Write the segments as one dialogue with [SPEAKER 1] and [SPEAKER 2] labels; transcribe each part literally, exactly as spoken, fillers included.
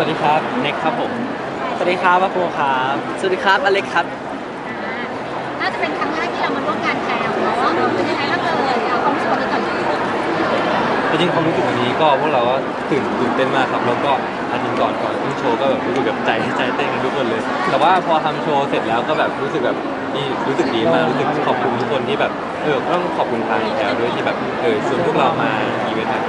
[SPEAKER 1] วัสดีครับเน็กครับผมสวัสดีครับวัปโปครับสวัสดีครับอเล็กครับ
[SPEAKER 2] น่าจะเป็นครั้งแรกที่เรามาร่วมงานแถวเนาะเป็นยังไงบ้างเอ่ยเอาความรู้สึกวันนี้ก่อน
[SPEAKER 1] จริงๆความรู้สึกวันนี้ก็พวกเราก็ตื่นตื่นเต้นมากครับแล้วก็อันนี้ก่อนก่อนขึ้นโชว์ก็แบบรู้สึกแบบใจใจเต้นกันทุกคนเลยแต่ว่าพอทำโชว์เสร็จแล้วก็แบบรู้สึกแบบนี่รู้สึกดีมากรู้สึกขอบคุณทุกคนที่แบบเออต้องขอบคุณทางแถวด้วยที่แบบเออชวนพวกเรามาอีเวนต์ครับ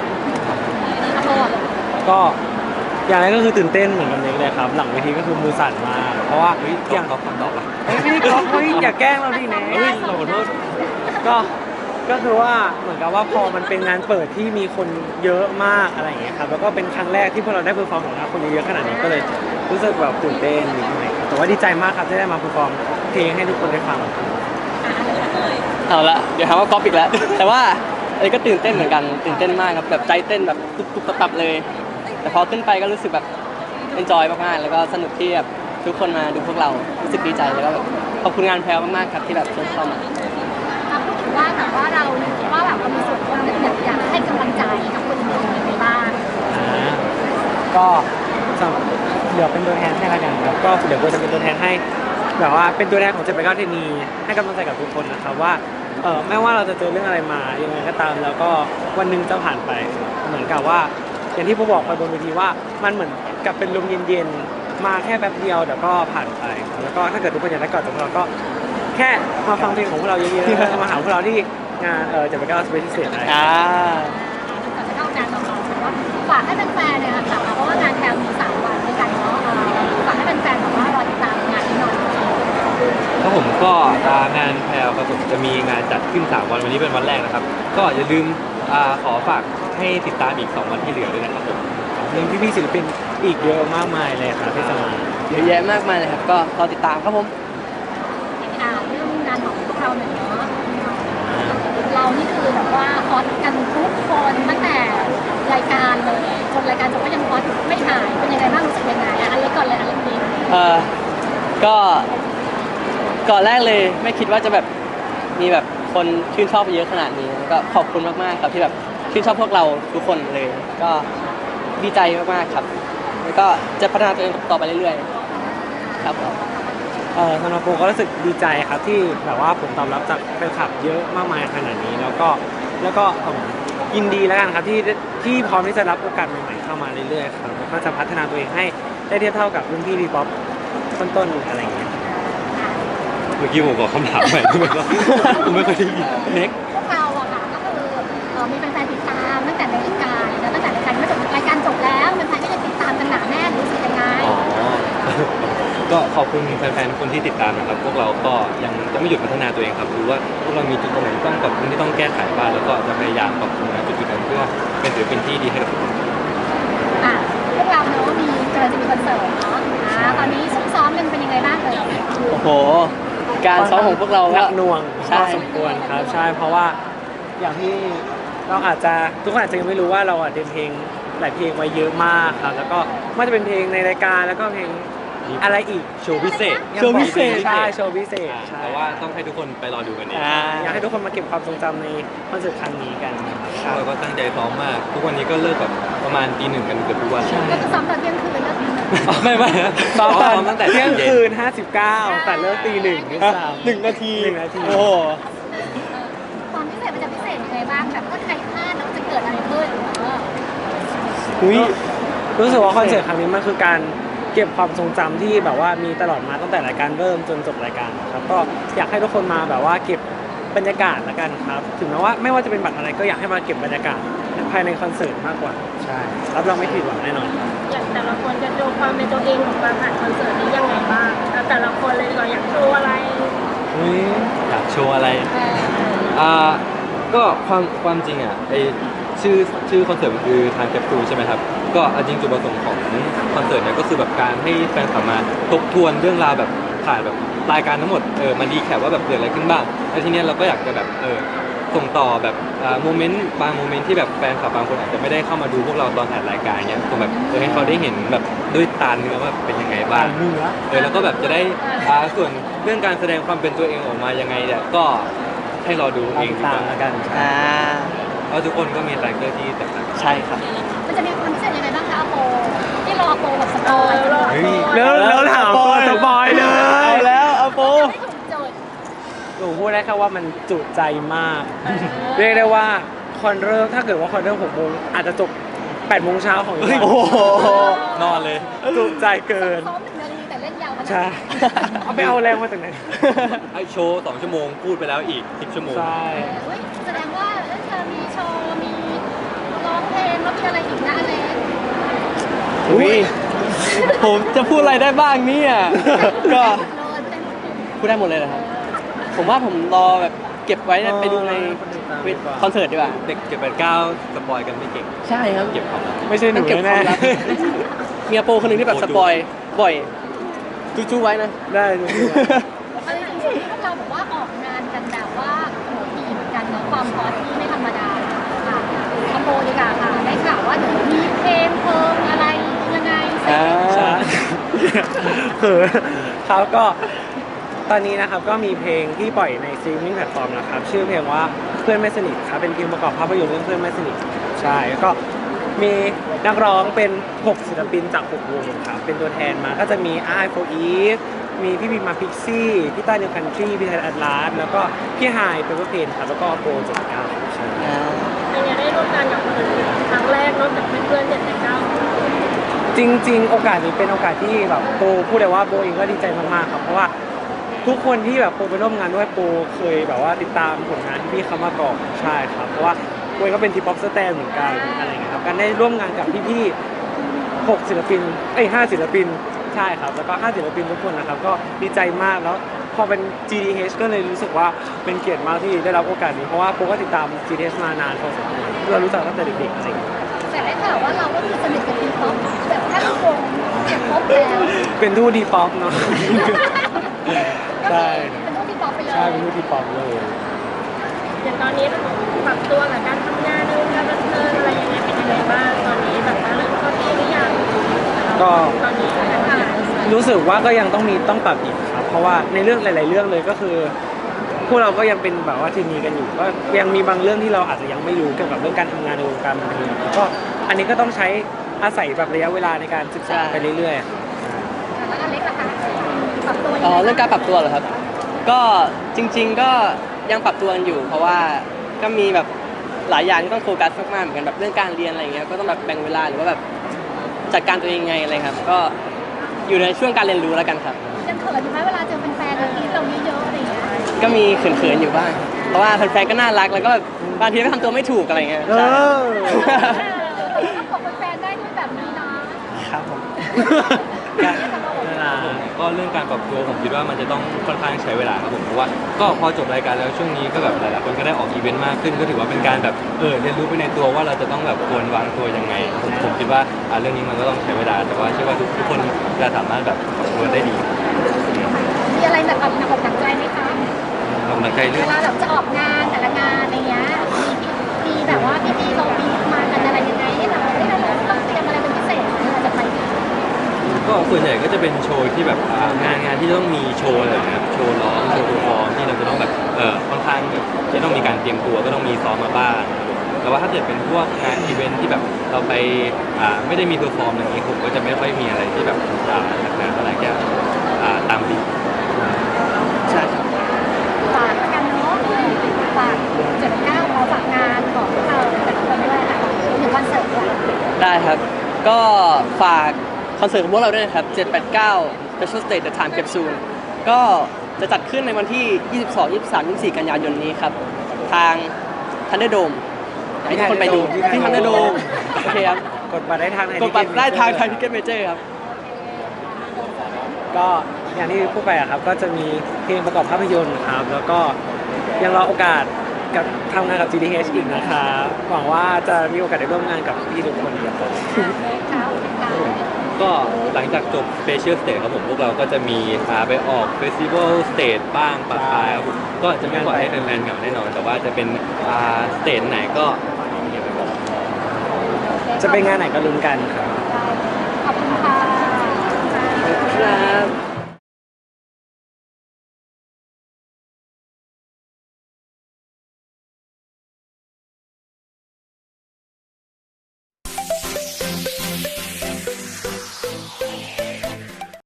[SPEAKER 3] ก็อย่างแรกก็คือตื่นเต้นเหมือนกันเลยครับหลังเวทีก็คือมือสั่นมากเพราะว่า
[SPEAKER 1] เฮ้ย
[SPEAKER 3] อย่าง
[SPEAKER 1] ก๊อฟก๊อฟก๊อฟอ่ะ
[SPEAKER 3] ไม่ได้ก๊อฟเฮ้ยอย่าแกล้งเราดิเนะ
[SPEAKER 1] เฮ้ยเราขอโทษ
[SPEAKER 3] ก็ก็คือว่าเหมือนกับว่าพอมันเป็นงานเปิดที่มีคนเยอะมากอะไรอย่างเงี้ยครับแล้วก็เป็นครั้งแรกที่พวกเราได้เพอร์ฟอร์มของเราคนเยอะๆขนาดนี้ก็เลยรู้สึกแบบตื่นเต้นนิดหน่อยแต่ว่าดีใจมากครับที่ได้มาเพอร์ฟอร์มเพลงให้ทุกคนได้ฟัง
[SPEAKER 4] เอาละเดี๋ยวหาว่าก๊อปอีกแล้ว แต่ว่าอะไรก็ตื่นเต้นเหมือนกันตื่นเต้นมากครับแบบใจเต้นแบบตุบตุบตับๆเลย แต่พอขึ้นไปก็รู้สึกแบบเอนจอยมากๆแล้วก็สนุกที่แบบทุกคนมาดูพวกเรารู้สึกดีใจแล้วก็แบบขอบคุณงานแพลวมากๆครับที่แบบเชิญเข้ามา
[SPEAKER 2] พูดถึงว่าแบบว่าเราว่าแบบเรามีส่วนร่วมอยากอยากให้กำลังใจกับคนอื่นยังไงบ้าง
[SPEAKER 3] ก็สำหรับเดี๋ยวเป็นตัวแทนให้ละกันครับก็เดี๋ยวกูจะเป็นตัวแทนให้แบบว่าเป็นตัวแทนของเจ็ดแปดเก้าเทนีให้กำลังใจกับทุกคนนะครับว่าเออไม่ว่าเราจะเจอเรื่องอะไรมายังไงก็ตามแล้วก็วันหนึ่งจะผ่านไปเหมือนกับว่าอย่างที่ผมบอกไปบนเวทีว่ามันเหมือนกับเป็นลมเย็นๆมาแค่แป๊บเดียวเดี๋ยวก็ผ่านไปแล้วก็ถ้าเกิดทุกคนอยากได้กอดจากพวกเราก็แค่มาฟังเพลงของพวกเราเยอะๆแล้วมาหาพวกเราที่งานเออเจ็ดแปดเก้าสเปเชียลเซตได้
[SPEAKER 4] อ่า
[SPEAKER 2] ก่อนจะเข้างานของเราว่าฝากให้แฟนๆเนี่ยค่ะเพราะว่างานแถวมีสามวันด้วยกันเนาะฝากให้แฟนๆแบบว่ารอติดตามงานนี้หน่อย
[SPEAKER 1] ครับผมก็งานแพลวครับผมจะมีงานจัดขึ้นสามวันวันนี้เป็นวันแรกนะครับก็อย่าลืมขอฝากให้ติดตามอีกสองวันที่เหลือด้วยนะครับผม
[SPEAKER 3] มีพี่ๆศิลปินอีกเยอะมากมายเลยครับที่จะมา
[SPEAKER 4] เยอะแยะมากมายเลยครับก็รอติดตามครับผม
[SPEAKER 2] อ่าเรื่องงานของพวกเราหน่อยเนาะเรานี่คือแบบว่าฮอตกันทุกคนตั้งแต่รายการเลยจนรายการจบก็ยังฮอตไม่หายเป็นยังไงบ้างรู้สึกยังไงอ่ะอันเล็กก่อนเลยอันเล็กนี้
[SPEAKER 4] เออก็ก่อนแรกเลยไม่คิดว่าจะแบบมีแบบคนชื่นชอบเยอะขนาดนี้ก็ขอบคุณมากๆครับที่แบบชื่นชอบพวกเราทุกคนเลยก็ดีใจมากๆครับแล้วก็จะพัฒนาตัวเองต่อไปเรื่อยๆครับ
[SPEAKER 3] เออสำหรับผมก็รู้สึกดีใจครับที่แบบว่าผลตอบรับจากแฟนคลับเยอะมากมายขนาดนี้แล้วก็แล้วก็ยินดีแล้วกันครับที่ที่พร้อมที่จะรับโอกาสใหม่ๆเข้ามาเรื่อยๆครับแล้วก็จะพัฒนาตัวเองให้ได้เทียบเท่ากับรุ่นพี่ดีป๊อปต้นๆอะไรอย่างเงี้ย
[SPEAKER 1] เมื่อกี้ผมบอกคำถามใหม่ไม่ก็ผมไม่เคยได้ยินเน็ก
[SPEAKER 2] พวกเราอะค่ะก็คือมีแฟนๆติดตามตั้งแต่ในรายการแล้วตั้งแต่รายการไม่จบรายการจบแล้วแฟนๆก็ยังติดตามกันหนาแน่นรู้สึกยังไง
[SPEAKER 1] อ๋อก็ขอบคุณแฟนๆคนที่ติดตามนะครับพวกเราก็ยังจะไม่หยุดพัฒนาตัวเองครับรู้ว่าพวกเรามีจุดตรงไหนต้องปรับปรุงที่ต้องแก้ไขบ้างแล้วก็จะพยายามปรับปรุงจุดๆนั้นเพื่อเป็นศิลปินที่ดีให้กับทุกคน
[SPEAKER 2] อ่ะพวกเราเนาะมีกำลังจะมีคอนเสิร์ตเนาะอ่าตอนนี้ซุ่มซ้อมกันเป็นยังไงบ้างเอ่ย
[SPEAKER 4] โอ้โหการซ้อมของพวกเรา
[SPEAKER 3] หนักหน่วงพอสม
[SPEAKER 4] ค
[SPEAKER 3] วรครับใช่เพราะว่าอย่างที่เราอาจจะทุกคนอาจจะยังไม่รู้ว่าเราอ่ะเตรียมเพลงหลายเพลงไว้เยอะมากครับแล้วก็ไม่ว่าจะเป็นเพลงในรายการแล้วก็เพลงอะไรอีก
[SPEAKER 1] โชว์พิเศษ
[SPEAKER 3] โชว์พิเศษใช่โชว์พิเศษใช่
[SPEAKER 1] แต่ว่าต้องให้ทุกคนไปรอดูกันเอง
[SPEAKER 3] อยากให้ทุกคนมาเก็บความทรงจำในคอนเสิร์ตครั้งนี้กัน
[SPEAKER 1] ครับเราก็ตั้งใจซ้อมมากทุกวันนี้ก็เลิกแบบประมาณตีหนึ่งกันเกือบทุกวัน
[SPEAKER 2] ก็คือซ้อมตอนเที่ยงคืนเลิกตีหนึ่ง
[SPEAKER 1] ไม่ไม่
[SPEAKER 3] ซ้อมตั้งแต่เที่ยงคืนห้าสิบเก้าแต่เลิกตีหนึ่งนี่สาม
[SPEAKER 4] หนึ่งนาที
[SPEAKER 3] หนึ่งนาที
[SPEAKER 4] โอ้
[SPEAKER 2] ความพิเศษมันจะพิเศษยังไงบ้างแบบถ้าใครพลาดแล้วจะเกิดอะไรขึ้นเออ
[SPEAKER 3] อุ้ยรู้สึกว่าคอนเสิร์ตครั้งนี้มันคือการเก็บความทรงจำที่แบบว่ามีตลอดมาตั้งแต่รายการเริ่มจนจบรายการครับก็อยากให้ทุกคนมาแบบว่าเก็บบรรยากาศละกันครับถึงแม้ว่าไม่ว่าจะเป็นบัตรอะไรก็อยากให้มาเก็บบรรยากาศภายในคอนเสิร์ตมากกว่าใช่รับรองไม่ผิดหวังแน่นอน
[SPEAKER 2] อย่างแต่ละคนจะโชว์ความเป็นตัวเองของการผ่านคอนเสิร์ตนี้ยังไงบ้างแล้วแต่ละคนเลยเราอยากโชว์อะไร
[SPEAKER 1] อยากโชว์อะไรอ่าก็ความความจริงอ่ะไอชื่อชื่อคอนเสิร์ตมันคือทางแคปซูลใช่ไหมครับก็จริงจุดประสงค์ของคอนเสิร์ตเนี่ยก็คือแบบการให้แฟนคลับมาทบทวนเรื่องราวแบบถ่ายแบบรายการทั้งหมดเออมาดีแคปว่าแบบเกิดอะไรขึ้นบ้างแล้วทีเนี้ยเราก็อยากจะแบบเออส่งต่อแบบโมเมนต์บางโมเมนต์ที่แบบแฟนคลับบางคนอาจจะไม่ได้เข้ามาดูพวกเราตอนถ่ายรายการเนี้ยส่งแบบเออให้เขาได้เห็นแบบด้วยตาเนื้อว่าเป็นยังไงบ้างเออแล้วก็แบบจะได้ส่วนเรื่องการแสดงความเป็นตัวเองออกมายังไงเนี่ยก็ให้รอดูเอง
[SPEAKER 3] ตามกัน
[SPEAKER 4] อ่า
[SPEAKER 1] เพราะทุกคนก็มีคาแรคเตอร์ที่แตกต่าง
[SPEAKER 4] ใช่ครับ
[SPEAKER 2] มันจะมีความพิเศษยังไงบ้างคะโปที่รอโปแบบสเปปอยล์
[SPEAKER 1] เฮ้ย
[SPEAKER 3] แล้วแล้วถามตัวสปอยเล
[SPEAKER 4] เอา
[SPEAKER 3] ย
[SPEAKER 4] แล้วเอาโป
[SPEAKER 2] ไม่ถูกโจทย์
[SPEAKER 3] หนูพูดได้แค่ว่ามันจุใจมาก เรียกได้ว่าคอนเริ่มถ้าเกิดว่าคอนเริ่มหกโมงอาจจะจบแปดโมงเช้าของอีกวัน
[SPEAKER 4] โอ้โห
[SPEAKER 1] นอนเลย
[SPEAKER 3] จุใจเกิน
[SPEAKER 2] ซ้อมหนึ่งนาทีแต่เล่นยาวขนาด
[SPEAKER 3] ใช่
[SPEAKER 2] นั้น
[SPEAKER 3] เอาไปเอาแรงมาจากไหน
[SPEAKER 1] ไอโชว์สองชั่วโมงพูดไปแล้วอีกสิบชั่วโมง
[SPEAKER 3] ใช่
[SPEAKER 2] เฮ้ยแสดงว่าเอ้ยเธอมีโชว์ มีร้องเพลงแล้วมีอะไรอีกนะอเล็ก
[SPEAKER 4] อุ้ยผมจะพูดอะไรได้บ้างเนี่ยก็
[SPEAKER 2] โดนเต็ม
[SPEAKER 4] พูดได้หมดเลยนะครับ ผมว่าผมรอแบบเก็บไว้ไปดูในคอนเสิร์ตดีกว่า
[SPEAKER 1] เด็กเก็บแปดเก้าสปอยกันไม่เก่ง
[SPEAKER 4] ใช่ครับ
[SPEAKER 1] เก็บความลับ
[SPEAKER 3] ไม่ใช่หนู
[SPEAKER 4] ต้องเก็บค
[SPEAKER 3] แน่
[SPEAKER 4] วามลับเมียโปคนหนึ่งที่แบบสปอยบ่อยจู้ๆไว้นะ
[SPEAKER 3] ได้ดู
[SPEAKER 2] เอาจริงๆที่พวกเราบอกว่าออกงานกันแบบว่าโหดีเหมือนกันเนาะความฮอตที่ไม่ธรรมดาค่ะคอมโบดีกว่าค่ะได้ข่าวว่าเดี๋ยวมีเพลงเพิ่มอะไรยังไง
[SPEAKER 4] อ่า
[SPEAKER 3] ใช่คือเขาก็ตอนนี้นะครับก็มีเพลงที่ปล่อยในสตรีมมิ่งแพลตฟอร์มนะครับชื่อเพลงว่าเพื่อนไม่สนิทครับเป็นเพลงประกอบภาพยนตร์เรื่องเพื่อนไม่สนิทใช่แล้วก็มีนักร้องเป็นหกศิลปินจากหกวงครับเป็นตัวแทนมาก็จะมีไอโฟอีฟมีพี่บีมาพิกซี่พี่ต้าเนวคันทรีพี่ไทยแอดลาสแล้วก็พี่ไฮเปเปอร์เพนครับแล้วก็โปรเจ็ดเก้าใช่
[SPEAKER 4] อ่า
[SPEAKER 2] เป็นไงได้ร่วมงานกับคนอื่นครั้งแรกนอกจากเพื่อนๆเจ็ดเก้า
[SPEAKER 3] จริง ๆ โอกาสนี้เป็นโอกาสที่แบบโปพูดเลยว่าโปเองก็ดีใจมากๆครับเพราะว่าทุกคนที่แบบโปไปร่วมงานด้วยโปเคยแบบว่าติดตามผลงานที่พี่เขามาก่อนใช่ครับเพราะว่าโปก็เป็นทีป๊อปสแตนเหมือนกันอะไรเงี้ยครับการได้ร่วมงานกับพี่ๆหกศิลปินเอ้ยห้าศิลปินใช่ครับแล้วก็ห้าศิลปินทุกคนนะครับก็ดีใจมากแล้วพอเป็น จี ดี เอช ก็เลยรู้สึกว่าเป็นเกียรติมากที่ได้รับโอกาสนี้เพราะว่าโปก็ติดตาม จี ดี เอช มานานพอสมควรเรารู้จักตั้งแต่เด็กๆจริง
[SPEAKER 2] แต่ได้ข่าวว่าเราก็คือสนิทกับทีป๊อปแบบแทบทุกวงเก็บครบแล้ว
[SPEAKER 3] เป็นทูตดีป๊อปเนาะ ใช่
[SPEAKER 2] เป็นทุกทีป๊อปไปเลย
[SPEAKER 3] ใช่เป็นทูตดีป๊อปเลย
[SPEAKER 2] อย่างตอนนี้ปรับตัวกับการทำงานในวงการบันเทิงอะไรยังไงเป็นยังไงบ้างตอนนี้แบบว่าเริ่มเข้าที่หรือยัง
[SPEAKER 3] ก็
[SPEAKER 2] ตอนนี้นะคะ
[SPEAKER 3] รู้สึกว่าก็ยังต้องมีต้องปรับอีกครับ เพราะว่าในเรื่องหลาย ๆ เรื่องเลยก็คือ พวกเราก็ยังเป็นแบบว่าทีมีกันอยู่ก็ยังมีบางเรื่องที่เราอาจจะยังไม่รู้เกี่ยวกับเรื่องการทำงานในวงการบันเทิงแล้วก็อันนี้ก็ต้องใช้อาศัยแบบระยะเวลาในการศึกษาไปเรื่อย
[SPEAKER 2] แล้วอเล็กล่ะคะปรับตัวยัง
[SPEAKER 4] อ๋อ
[SPEAKER 2] ไง
[SPEAKER 4] เรื่องการปรับตัวเหรอครับ ก็จริง ๆ ก็ยังปรับตัวกันอยู่ เพราะว่าก็มีแบบหลายอย่างที่ต้องโฟกัสมากๆเหมือนกันแบบเรื่องการเรียนอะไรเงี้ยก็ต้องแบบแบ่งเวลาหรือว่าแบบจัดการตัวเองไงอะไรครับ ก็อยู่ในช่วงการเรียนรู้แล้วกันครับ
[SPEAKER 2] ยังเขินอยู่ไหมเวลาเจอแฟนๆแล้วที่เราเยอะๆอะไรอย่างเงี้ย
[SPEAKER 4] ก็มีเขินๆอยู่บ้าง เพราะว่าแฟนๆก็น่ารักแล้วก็แบบบางทีก็ทำตัวไม่ถูกอะไรเงี้ย
[SPEAKER 3] ๆเอ
[SPEAKER 4] ใช่
[SPEAKER 3] อ
[SPEAKER 2] ก็ขอบแฟนๆได้ด้วยแบบนี้นะครับ
[SPEAKER 4] ผม
[SPEAKER 3] นั่นล่ะ
[SPEAKER 1] ก็เรื่องการปรับตัวผมคิดว่ามันจะต้องค่อนข้างใช้เวลาครับผมเพราะว่าก็พอจบรายการแล้วช่วงนี้ก็แบบหลายๆคนก็ได้ออกอีเวนต์มากขึ้นก็ถือว่าเป็นการแบบเออเรียนรู้ไปในตัวว่าเราจะต้องแบบควรวางตัวยังไงผมผมคิดว่าอ่าเรื่องนี้มันก็ต้องใช้เวลาแต่ว่าเชื่อว่าทุกทุกคนจะสามารถแบบปรับตัวได้ดี
[SPEAKER 2] มีอะไรแบบหนักอกหนักใจไหมคะ
[SPEAKER 1] กำลังใจเรื่
[SPEAKER 2] เว
[SPEAKER 1] อง
[SPEAKER 2] ลาแบบจะออกงานแต่ละงานอะไรเงี้ยมีมีแบบว่าพี่ๆเรามีมากันอะไรยังไงให้เราให้เราต้องเตรียมอะไรเป็นพิเศษไหมเราจะไป
[SPEAKER 1] ก็ส่วนใหญ่ก็จะเป็นโชว์ที่แบบอ่างานงานที่ต้องมีโชว์อะไรแบบนะครับโชว์ร้องโชว์เพอร์ฟอร์มที่เราจะต้องแบบเออค่อนข้างแบบที่ต้องมีการเตรียมตัวก็ต้องมีซ้อมมาบ้างแต่ว่าถ้าเกิดเป็นพวกงานอีเวนท์ที่แบบเราไปอ่าไม่ได้มีเพอร์ฟอร์มอะไรอย่างนี้ผมก็จะไม่ค่อยมีอะไรที่แบบอ่าหนักหนาเท่าไหร่แค่อ่าตามบีท
[SPEAKER 4] ใช่ครับ
[SPEAKER 2] ฝากแล้วกันเนาะฝากเจ็ดเก้าขอฝากงานของพวกเราแต่ละคนด้วยค่ะถึงคอนเสิร์ตด้วย
[SPEAKER 4] ได้ครับ ก็ฝากคอนเสิร์ตของพวกเราด้วยนะครับเจ็ด แปด เก้า Special Stage The Time Capsule ก็จะจัดขึ้นในวันที่ ยี่สิบสอง ยี่สิบสาม ยี่สิบสี่ กันยายนนี้ครับ ทาง Thunderdome อยากให้ทุกคนไปดูที่ Thunderdome โอเคครับ
[SPEAKER 3] กดบัตรได้ทางไหน
[SPEAKER 4] กดบัตรได้ทางไทยทิเก็ตเมเจอร์ครับ
[SPEAKER 3] ก็อย่างที่พูดไปอะครับก็จะมีเพลงประกอบภาพยนตร์ครับแล้วก็ยังรอโอกาสกับทำงานกับ จี ดี เอช อีกนะครับหวังว่าจะมีโอกาสได้ร่วมงานกับพี่ทุกคนครับ
[SPEAKER 1] ก็หลังจากจบ Special Stage ครับผมพวกเราก็จะมีพาไปออก Festival Stage บ้างปะปายครับผมก็จะไม่ปล่อยให้แฟนๆเหงาแน่นอน แต่ว่าจะเป็นอ่าสเตจไหนก็เงียบไปก่อน
[SPEAKER 3] จะเป็นงานไหนก็ลุ้นกันครับ
[SPEAKER 2] ขอบคุณค่ะ
[SPEAKER 4] ครับ